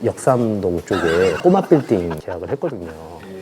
역삼동 쪽에 꼬마 빌딩 계약을 했거든요.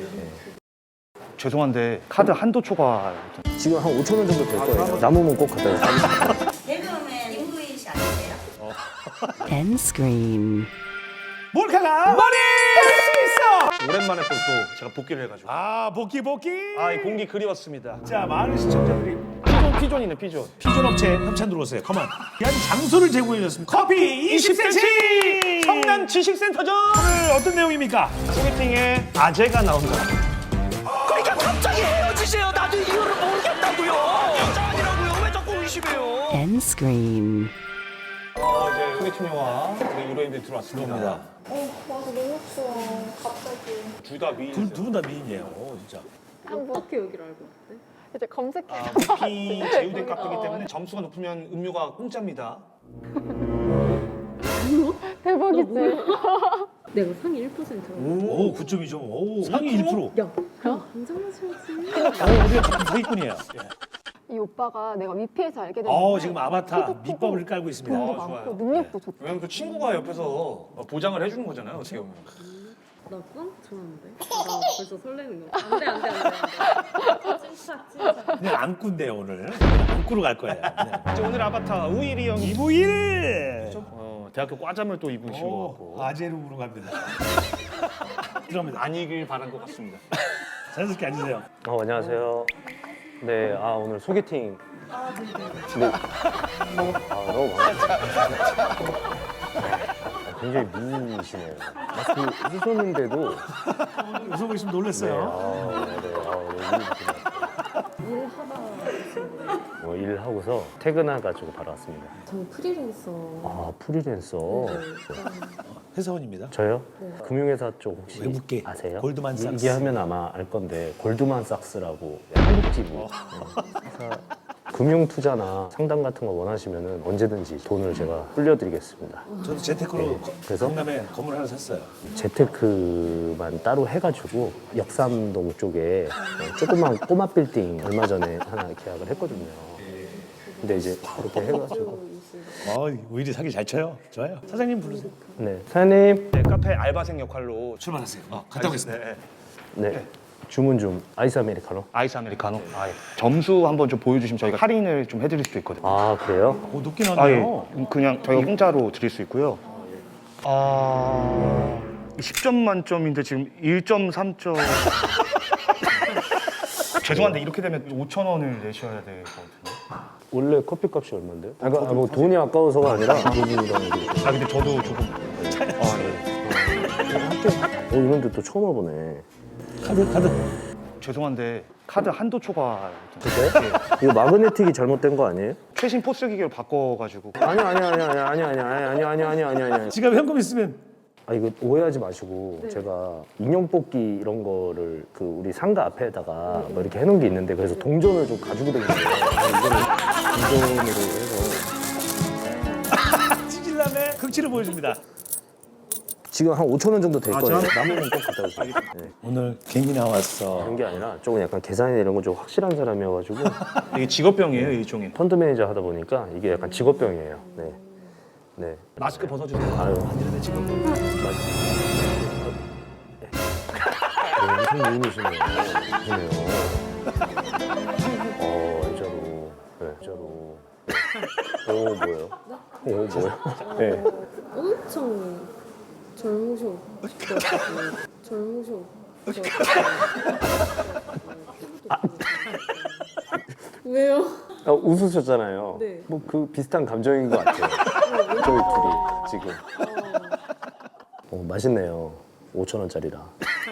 죄송한데 카드 한도 초과 지금 한 5천 원 정도 될 거예요. 남으면 꼭 갖다 주세요. 개그맨 김구인 씨 아니세요? End screen. 몰카가 머리 있어. 오랜만에 또 제가 복귀를 해가지고 아 복귀. 이 공기 그리웠습니다. 자 많은 시청자들이 피존이네 피존. 피존 업체 협찬 들어오세요. 컴온. 귀한 장소를 제공해 줬습니다. 커피 20cm. 성남 지식센터죠. 오늘 어떤 내용입니까? 소개팅에 아재가 나온다. 그러니까 갑자기 헤어지세요. 나도 이유를 모르겠다고요. 여자 아니라고요. 왜 자꾸 의심해요? End screen. 이제 소개팅 영화 우리 유로인들이 들어왔습니다. 들어옵니다. 맞아 너무 추워 갑자기 둘 다 미인. 두 분 다 미인이에요. 진짜. 어떻게 여기를 알고 왔대? 이제 검색해 피 제휴된 값이기 때문에 점수가 높으면 음료가 공짜입니다. 대박이지? 내가 상위 1%라고. 오 9점이죠. 오 상위 1%. 야, 한잔 마셔야지. 우리가 조금 사기꾼이에요. 이 오빠가 내가 위피에서 알게 됐는데 지금 아바타 밑밥을 깔고 있습니다. 돈도 좋아요. 많고 능력도 좋고 왜냐면 그 친구가 옆에서 보장을 해주는 거잖아요. 어떻게 보면. 나 꽝? 좋아하는데? 나 벌써 설레는 거. 안 돼. 찐차. 그냥 안꾸인데요 오늘. 안꾸로 갈 거예요. 이제 오늘 아바타 우일이 형이 이부일. 대학교 과잠을 또 입으신 것 같고 아재룸으로 갑니다. 들어갑니다. 안 이길 바란 것 같습니다. 자연스럽게 앉으세요. 안녕하세요. 네, 오늘 소개팅. 네. 너무 반갑습니다. 굉장히 미인이시네요. 마스크 쓰셨는데도 웃어보고 있으면 놀랐어요. 일하고서 퇴근해가지고 바로 왔습니다. 저는 프리랜서. 프리랜서. 회사원입니다. 저요? 금융회사 쪽 혹시 외국계 아세요? 골드만삭스. 이게 하면 아마 알 건데 골드만삭스라고 한국지부 회사 금융 투자나 상담 같은 거 원하시면은 언제든지 돈을 제가 불려드리겠습니다. 저도 재테크로 그래서? 강남에 건물 하나 샀어요. 재테크만 따로 해가지고 역삼동 쪽에 조그만 꼬마 빌딩 얼마 전에 하나 계약을 했거든요. 근데 이제 그렇게 해가지고 오히려 사기 잘 쳐요. 좋아요. 사장님 부르세요. 네 사장님 네, 카페 알바생 역할로 출발하세요. 갔다 오겠습니다. 네 주문 좀 아이스 아메리카노. 아이스 아메리카노. 점수 한번 좀 보여주시면 저희가 할인을 좀 해드릴 수도 있거든요. 그래요? 오 높게 나왔네요. 그냥 저희가 공짜로 드릴 수 있고요. 10점 만점인데 지금 1.3점. 죄송한데 이렇게 되면 5,000원을 내셔야 되거든요. 원래 커피값이 얼마인데요? 그러니까 뭐 돈이 아까워서가 아니라 돈이랑 이렇게. 근데 저도 조금 이런데 또 처음 와보네. 카드. 죄송한데 카드 한도 초과 그래? 이거 마그네틱이 잘못된 거 아니에요? 최신 포스 기계로 바꿔가지고 아니. 지갑 현금 있으면 이거 오해하지 마시고 제가 인형 뽑기 이런 거를 그 우리 상가 앞에다가 뭐 이렇게 해놓은 게 있는데 그래서 동전을 좀 가지고 다니는 거예요. 이거는 동전으로 해서 찌질남의 극치를 보여줍니다. 지금 한 5천 원 정도 될 거예요. 남으면 꼭 갖다 주세요. 네. 오늘 괜히 나왔어. 그런 게 아니라 조금 약간 계산이나 이런 거 좀 확실한 사람이어가지고 이게 직업병이에요 일종의. 펀드 매니저 하다 보니까 이게 약간 직업병이에요. 네. 네. 마스크 벗어주세요. 아유, 이런데 지금 무슨 미인이시네요. 그러네요. 진짜로. 네, 진짜로. 뭐예요? 뭐예요? 네. 엄청 젊으셔. 왜요? 웃으셨잖아요. 네. 뭐 그 비슷한 감정인 것 같아요. 저희 둘이 지금. 맛있네요. 5천 원짜리라.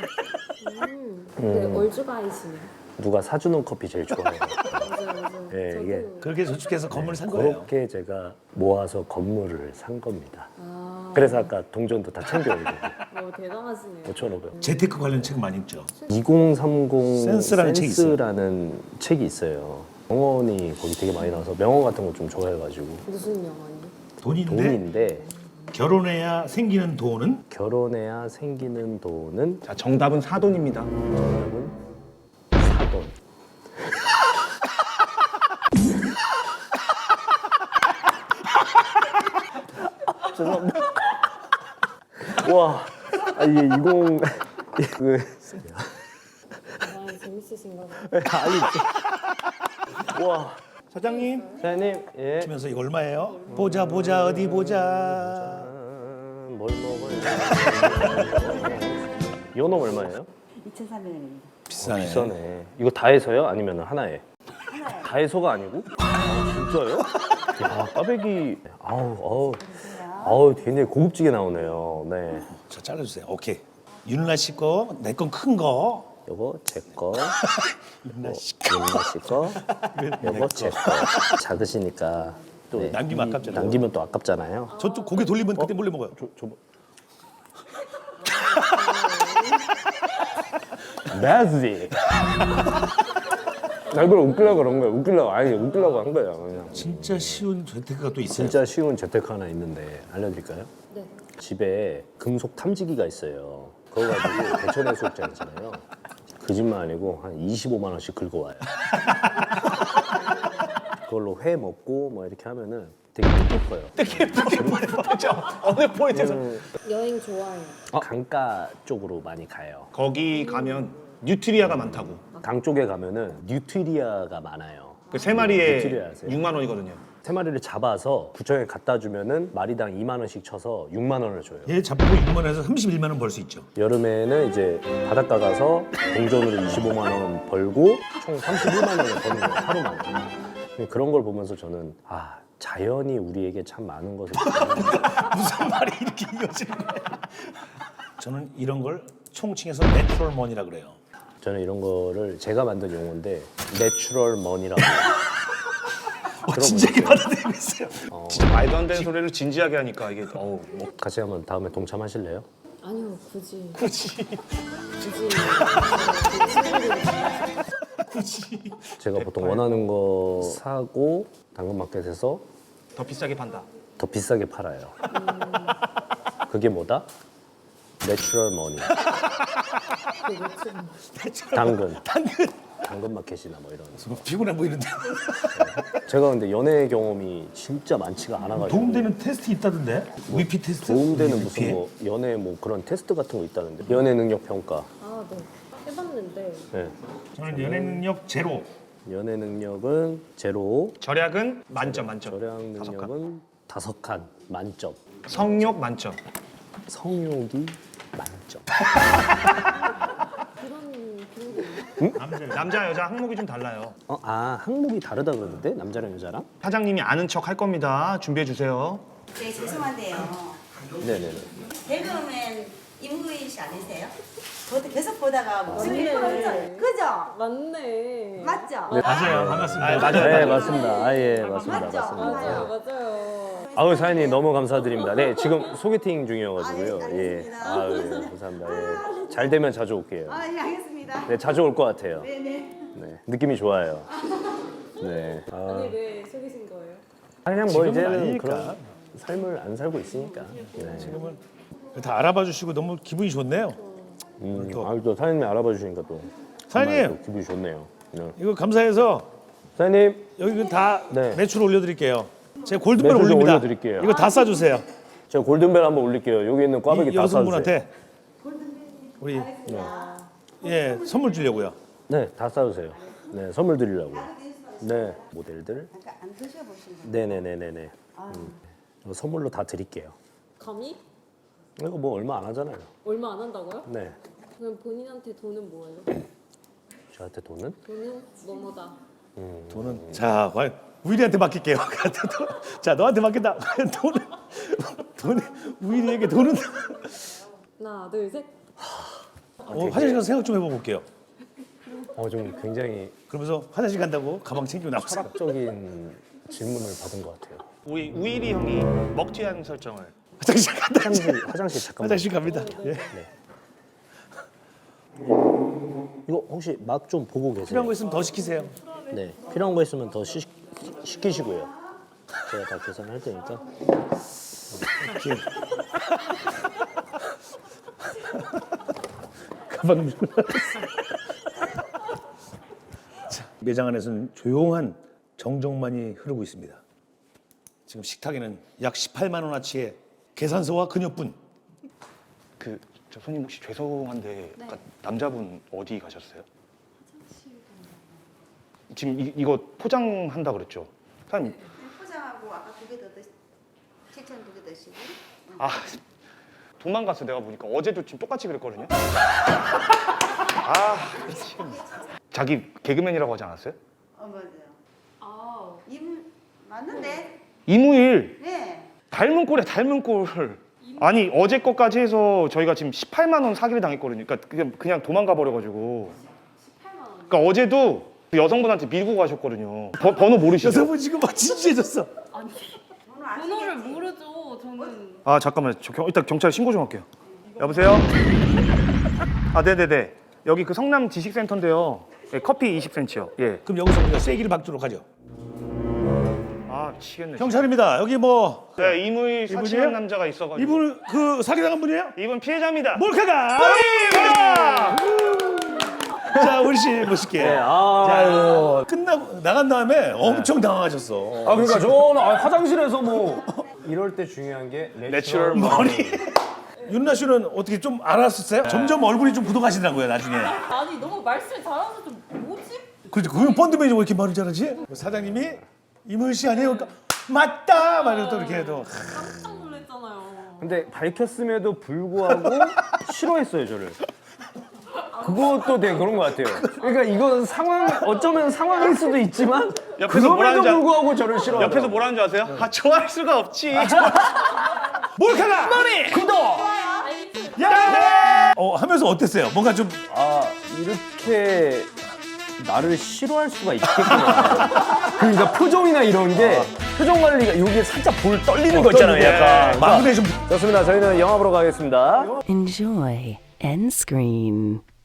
네, 얼주가이시네요. 누가 사주는 커피 제일 좋아해요. 맞아요. 네, 저도 이게 그렇게 저축해서 건물을 산 거예요. 그렇게 제가 모아서 건물을 산 겁니다. 그래서 아까 동전도 다 챙겨오고 대단하시네요. 5,500원. 재테크 관련 책 많이 읽죠. 2030 센스라는 책이 있어요. 센스라는 책이 있어요. 명언이 거기 되게 많이 나와서 명언 같은 거 좀 좋아해가지고 무슨 영화니? 돈인데 결혼해야 생기는 돈은 결혼해야 생기는 돈은 자 정답은 사돈입니다. 정답은 사돈. 죄송합니다. 와, 아, 이게 20 그 아, 재밌으신가 봐. 아니 와 사장님 사장님 예. 하면서 이거 얼마예요? 보자 어디 보자. 뭘 먹어요? 연어 얼마예요? 2,300원입니다. 비싸네. 비싸네. 이거 다 해서요? 아니면 하나에? 다 해서가 아니고? 아, 진짜요? 야, 까베기. 아우, 굉장히 고급지게 나오네요. 네. 자 잘라주세요. 오케이. 윤라 씨 거, 내 건 큰 거. 요거 제 거, 윤라 씨 윤나 씨 거, 요거 제 거. 작으시니까 또 네, 남기면 아깝잖아요. 남기면 또 아깝잖아요. 저 또 고개 돌리면 그때 몰래 먹어요. 매지. 나 이걸 웃기려고 그런 거야. 웃기려고 한 거야. 그냥. 진짜 쉬운 재테크가 또 있어요. 진짜 쉬운 재테크 하나 있는데 알려드릴까요? 네. 집에 금속 탐지기가 있어요. 그거 가지고 대천 해수욕장 있잖아요. 거짓말 아니고 한 25만 원씩 긁어와요. 그걸로 회 먹고 뭐 이렇게 하면은 되게 뜻깊어요. 그렇죠. 어느 포인트에서 여행 좋아해요. 강가 쪽으로 많이 가요. 거기 가면 뉴트리아가 많다고. 강 쪽에 가면은 뉴트리아가 많아요. 그 세 마리에 뉴트리아 아세요? 6만 원이거든요. 세 마리를 잡아서 구청에 갖다 주면은 마리당 2만 원씩 쳐서 6만 원을 줘요. 얘 잡고 6만 원에서 31만 원 벌 수 있죠. 여름에는 이제 바닷가 가서 동전으로 25만 원 벌고 총 31만 원을 버는 거예요, 하루만. 그런 걸 보면서 저는 아, 자연이 우리에게 참 많은 것을 무슨 말이 이렇게 이어지는 거야? 저는 이런 걸 총칭해서 내추럴 머니라 그래요. 저는 이런 거를 제가 만든 용어인데 내추럴 머니라고 진작에 받아들이고 있어요. 진짜 말도 안 되는 소리를 진지하게 하니까 이게 어우 뭐 같이 한번 다음에 동참하실래요? 아니요, 굳이. 제가 보통 원하는 거 사고 당근마켓에서 더 비싸게 판다. 더 비싸게 팔아요. 그게 뭐다? 내추럴 머니. 당근마켓이나 뭐 이런. 피곤해 보이는데. 제가 근데 연애 경험이 진짜 많지가 않아가지고 도움되는 테스트 있다던데? 위피 테스트? 도움되는 위피? 무슨 뭐 연애 뭐 그런 테스트 같은 거 있다는데 연애 능력 평가. 아, 네. 해봤는데 네. 저는 연애 능력 제로. 연애 능력은 제로, 절약은 만점. 절약 다섯 칸. 능력은 5칸 만점, 성욕 만점. 성욕이 만점. 그런 게 있나? 남자 여자 항목이 좀 달라요. 항목이 다르다 그러는데 남자랑 여자랑? 사장님이 아는 척 할 겁니다. 준비해 주세요. 네, 죄송한데요. 네네네. 개그맨 임구인 씨 아니세요? 그것도 계속 보다가 목소리 맞네. 커졌잖아요. 그죠? 맞네. 맞죠? 맞아요. 반갑습니다. 아, 맞아요. 네 맞습니다. 예 맞습니다. 맞죠? 맞습니다. 맞아요. 아우 사장님 너무 감사드립니다. 네 지금 소개팅 중이어가지고요. 아, 예, 예. 알겠습니다. 아유 예, 감사합니다. 예. 잘 되면 자주 올게요. 아, 예, 알겠습니다. 네 자주 올 것 같아요. 네네. 네 느낌이 좋아요. 네. 아니, 왜 속이신 거예요? 그냥 뭐 지금은 이제는 아니니까. 그런 삶을 안 살고 있으니까. 네. 지금은 다 알아봐 주시고 너무 기분이 좋네요. 또 사장님이 알아봐 주시니까 또 사장님! 정말 또 기분이 좋네요. 네. 이거 감사해서 사장님 여기 다 네. 매출 올려드릴게요. 제가 골든벨 매출 좀 올립니다. 올려드릴게요. 이거 다 싸주세요. 제가 골든벨 한번 올릴게요. 여기 있는 꽈배기 이 다 싸주세요. 여성분한테 우리 예 선물 주려고요. 네, 다 싸주세요. 네, 선물 드리려고요. 네, 모델들. 안 드셔보신 거. 네네네네네. 이거 선물로 다 드릴게요. 감히? 이거 뭐 얼마 안 하잖아요. 얼마 안 한다고요? 네, 그럼 본인한테 돈은 뭐예요? 저한테 돈은? 돈은 뭐뭐다. 돈은 자 과연 우일이한테 맡길게요. 자 너한테 맡긴다. 돈은 우일이에게 돈은 하나, 둘, 셋. 화장실 가서 생각 좀 해볼게요. 좀 굉장히 그러면서 화장실 간다고 가방 챙기고 나왔어요. 철학적인 질문을 받은 것 같아요. 우리 우일이 형이 먹튀한 설정을. 화장실 간다. 화장실 잠깐만. 화장실 갑니다. 예. 이거 혹시 맛 좀 보고 계세요? 필요한 거 있으면 더 시키세요. 네, 필요한 거 있으면 더 시키시고요. 제가 다 계산할 테니까. 가방 매장 안에서는 조용한 정적만이 흐르고 있습니다. 지금 식탁에는 약 18만 원어치의 계산서와 그녀뿐. 저 손님 혹시 죄송한데 아까 남자분 어디 가셨어요? 지금 이거 포장한다 그랬죠? 사장님. 포장하고 아까 2개 더 드시 7,000 2개 드시고. 아 도망갔어 내가 보니까 어제도 지금 똑같이 그랬거든요. 아 미친. 자기 개그맨이라고 하지 않았어요? 맞아요. 아, 맞는데? 이무일 네. 닮은 꼴에 닮은 꼴. 아니 어제 것까지 해서 저희가 지금 18만 원 사기를 당했거든요. 그러니까 그냥 도망가 버려가지고. 18만 원. 그러니까 어제도 그 여성분한테 밀고 가셨거든요. 번호 모르시죠? 여성분 지금 막 진지해졌어. 아니, 번호 아시겠지? 번호를 모르죠. 저는. 아 잠깐만 일단 경찰 신고 좀 할게요. 여보세요? 아 네네네. 여기 그 성남 지식센터인데요. 예, 커피 20cm요. 예. 그럼 여기서 우리가 쐐기를 박도록 하죠. 아 미치겠네. 경찰입니다. 여기 뭐 네, 이무일 이분이에요? 사칭한 남자가 있어가지고. 이분 그 사기당한 분이에요? 이분 피해자입니다. 몰카가. 자 우리 씨 멋있게. 아, 끝나고 나간 다음에 엄청 당황하셨어. 아 그러니까 저는 화장실에서 뭐 이럴 때 중요한 게 내추럴 머리. 윤나 씨는 어떻게 좀 알았었어요? 점점 얼굴이 좀 굳어가시더라고요 나중에. 아니, 너무 말씀 잘하셔서 좀 뭐지? 그렇죠. 그럼 펀드 매니저 왜 이렇게 말을 잘하지? 사장님이 이문 씨 아니에요? 그러니까 맞다. 말이고 또 이렇게 해도. 깜짝 놀랐잖아요. 근데 밝혔음에도 불구하고 싫어했어요 저를. 그것도 되게 그런 것 같아요. 그러니까 이건 어쩌면 상황일 수도 있지만 옆에서 뭐라는 그럼에도 줄 불구하고 저를 싫어하더라고요. 옆에서 뭐라는 줄 아세요? 아 좋아할 수가 없지. 몰카가 머리 구독. 야! 하면서 어땠어요? 뭔가 좀 아 이렇게 나를 싫어할 수가 있겠구나. 그러니까 표정이나 이런 게 표정 관리가 여기에 살짝 볼 떨리는 거 있잖아요. 약간. 마음에 좀 좋습니다. 저희는 영화 보러 가겠습니다. Enjoy end screen.